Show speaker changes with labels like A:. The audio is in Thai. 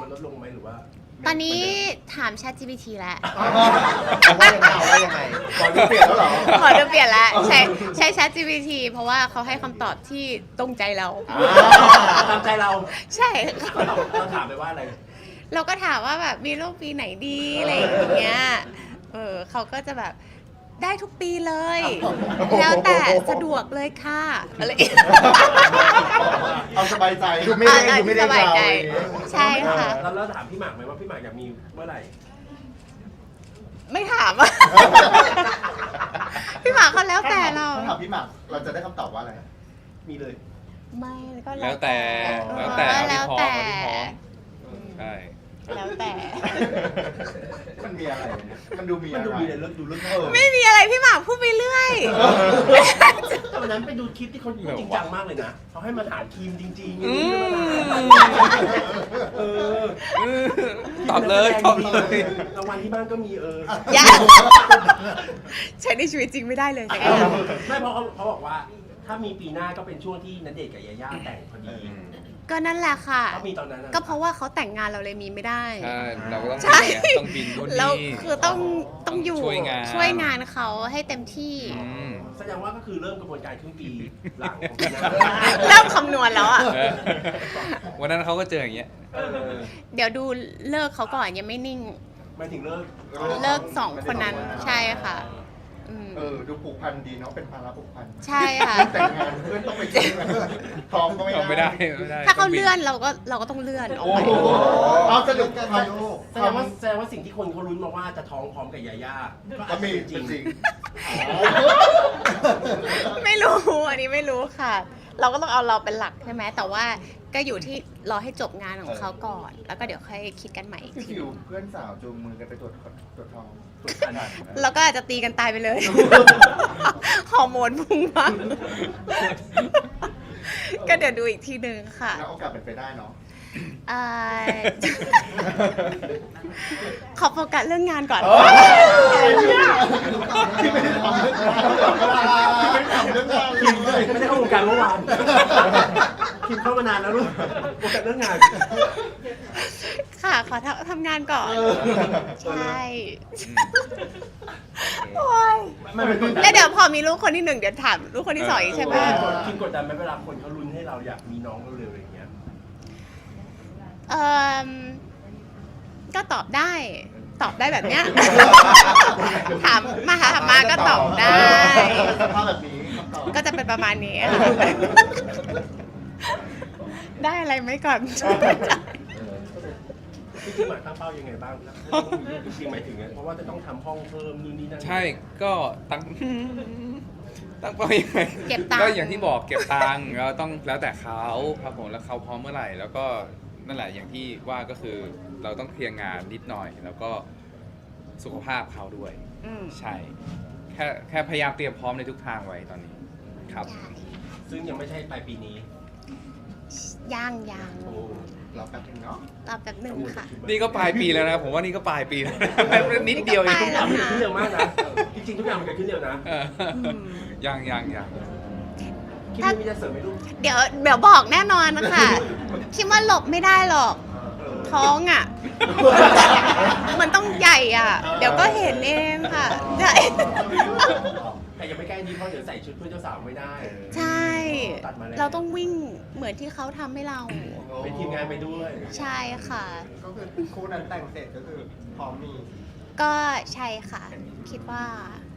A: ลดลงไหมหรือว่า
B: ตอนนี้ถาม ChatGPT แล้ว
C: ว่ายังไงขอดูเปลี่ยนแล้วเหรอ
B: ขอจะเปลี่ยนแล้วใช้ ChatGPT เพราะว่าเขาให้คำตอบที่ตรงใจเรา
A: ตามใจเรา
B: ใช่
A: เราถามไปว่าอะไร
B: เราก็ถามว่าแบบมีลูกปีไหนดีอะไรอย่างเงี้ยเขาก็จะแบบได้ทุกปีเลย แล้วแต่สะดวกเลยค่ะอะไร
C: เอาสบายใจดูไม่ได้ดูไม่ได้
B: สบายใจใช่ค่ะ
A: เราถามพี่หมากไหมว่าพี่หมากอยากมีเมื่อไหร่
B: ไม่ถามอะ พี่หมากเขาแล้วแต่เรา
C: ถ้าถามพี่หมากเราจะได้คำตอบว่าอะไร
A: มีเลย
B: ไม่ก็
D: แล้วแต่
B: แล้ว
D: แล้วแต่ ใช่
B: แล้วแต่
C: มันมีอะไรมันดูมี
A: มัน
C: อะไร
A: ดูมีอะไรดูเรื่อง
B: ไม่มีอะไรพี่หมากพูดไปเรื่อย
A: แต่วันนั้นไปดูคลิปที่เขาพูดจริงจังมากเลยนะเขาให้มาถามทีมจริงๆ
D: ตอบเลยตอบเลย
A: รางวัลที่บ้านก็มี
B: อย่าใช้ในชีวิตจริงไม่ได้เลยแต่ก็
A: ไม่เพราะเขาบอกว่า ถ้ามีปีหน้าก็เป็นช่วงที่ณเดชน์กับยาย่าแต่งพอดี
B: ก็นั่นแหละค่ะ
A: ก็มีตอนนั้น
B: ก็เพราะว่าเขาแต่งงานเราเลยมีไม่ได้
D: ใช่เราก็ต้อง
B: ใช่
D: ต้องบินนู่น
B: แล้ว
D: นี่
B: คือต้องอยู่
D: ช่วยงาน
B: เขาให้เต็มที่
A: แสดงว่าก็คือเริ่มกระบวนการครึ่งปีหลังของปีหน้า
B: เริ่มคำนวณแล้วอ่ะ
D: เออวันนั้นเขาก็เจออย่างเงี้ย
B: เดี๋ยวดูเลิกเขาก่อนยังไม่นิ่ง
A: หมายถึงเลิก
B: เลิกสองคนนั้นใช่ค่ะ
C: ดูผูกพันดีเนาะเป็นภาระผูกพัน
B: ใช่ค่ะ
C: แต่งงานเพื่อนต้องไปกินพร้อมก็
D: ไม่ได้
B: ถ้าเขาเลื่อนเราก็ต้องเลื่อนออก
C: โอ้
B: ไป
C: โหเอาสนุกกันลูก
A: แสดงว่าสิ่งที่คนเขาลุ้นมาว่าจะท้องพร้อมกับยาย่า
C: ก็มีจริง
B: ไม่รู้อันนี้ไม่รู้ค่ะ เราก็ต้องเอาเราเป็นหลักใช่ไหมแต่ว่าก็อยู่ที่รอให้จบงานของเขาก่อน แล้วก็เดี๋ยวค่อยคิดกันใหม่อีก
C: พี่
B: ที
C: ฟิวเพื่อนสาวจูงมือกันไปตรวจท้องตรวจคัน
B: เราก็อาจจะตีกันตายไปเลย ฮอร์โมนพุ่งมากก็เดี๋ยวดูอีกทีหนึ่งค่ะ
C: แล้วโอกาสเป็นไปได้เนาะ
B: เอ่อ ขอโฟกัสเรื่องงานก่อน
C: ที่ไม่ได้ทำเรื่องงานที่ไม่ได้ทำเรื่องงาน
A: คิมไม่ได้เข้าวงการเมื่อวานคิมเข้ามานานแล้วลูกโอกาสเรื่องงาน
B: ค่ะ ขอทำงานก่อน ใช่โอ้ย
A: ไม่เป็นกดดัน
B: แล้วเดี๋ยวพอมีลูกคนที่หนึ่งเดี๋ยวถามลูกคนที่สองอีกใช่ปะ
A: คิมกดดันไหมเวลาคนเขาลุ้นให้เราอยากมีน้องเร็วๆอย่างเงี้ย
B: เอ่อก็ตอบได้แบบเนี้ย ถามมาก็ตอบได้
C: สภาพแบบนี้คำตอบ
B: ก็จะเป็นประมาณนี้ค่ะ ได้อะไรไหมก่อน
A: พี่คิมตั้งเป้ายังไงบ้างครับจริงๆหมายถึงเพราะว่าจะต้องทำห้องเพิ่มนู่นนี่นั่น
D: ใช่ก็ตั้งเป้ายังไง
B: เก็บตังค์
D: ก็อย่างที่บอกเก็บตังค์แล้วต้องแล้วแต่เขาครับผมแล้วเขาพร้อมเมื่อไหร่แล้วก็นั่นแหละอย่างที่ว่าก็คือเราต้องเคลียร์งานนิดหน่อย แล้วก็สุขภาพเขาด้วย ใช่แค่พยายามเตรียมพร้อมในทุกทางไว้ตอนนี้ครับ
A: ซึ่งยังไม่ใช่ปลายปีนี้
B: ยัง
A: โอ้
C: เราแป๊บนึงเนาะ
B: รอแป๊บหนึ่งค่ะ
D: นี่ก็ปลายปีแล้วนะผมว่านี่ก็ปลายปีแล้วนิดเดียวเอง
B: นี่ก็ปลาย
A: ทุกอย่างมันเกิดขึ้นเร็วมากนะจริงๆทุกอย่างมันเกิดขึ้นเร็วนะ
D: เออยัง
A: คิมมีจะเสริมไหมลูก
B: เดี๋ยวบอกแน่นอนนะคะ คิดว่าหลบไม่ได้หรอก ท้องอ่ะ มันต้องใหญ่อ่ะ เดี๋ยวก็เห็นเองค่ะใช่
A: แต่ยังไม่ใกล้นี้เพราะเดี๋ยวใส่ชุดเพื่อนเจ้าสาวไม่ได้
B: ใช่
A: ตัดมาแล้ว
B: เราต้องวิ่งเหมือนที่เขาทำให้เรา
A: เป็นทีมงานไปด้วย
B: ใช่ค่ะ
C: ก็คือคู่นั้นแต่งเสร็จก็คือพร้อมมี
B: ก็ใช่ค่ะ คิดว่า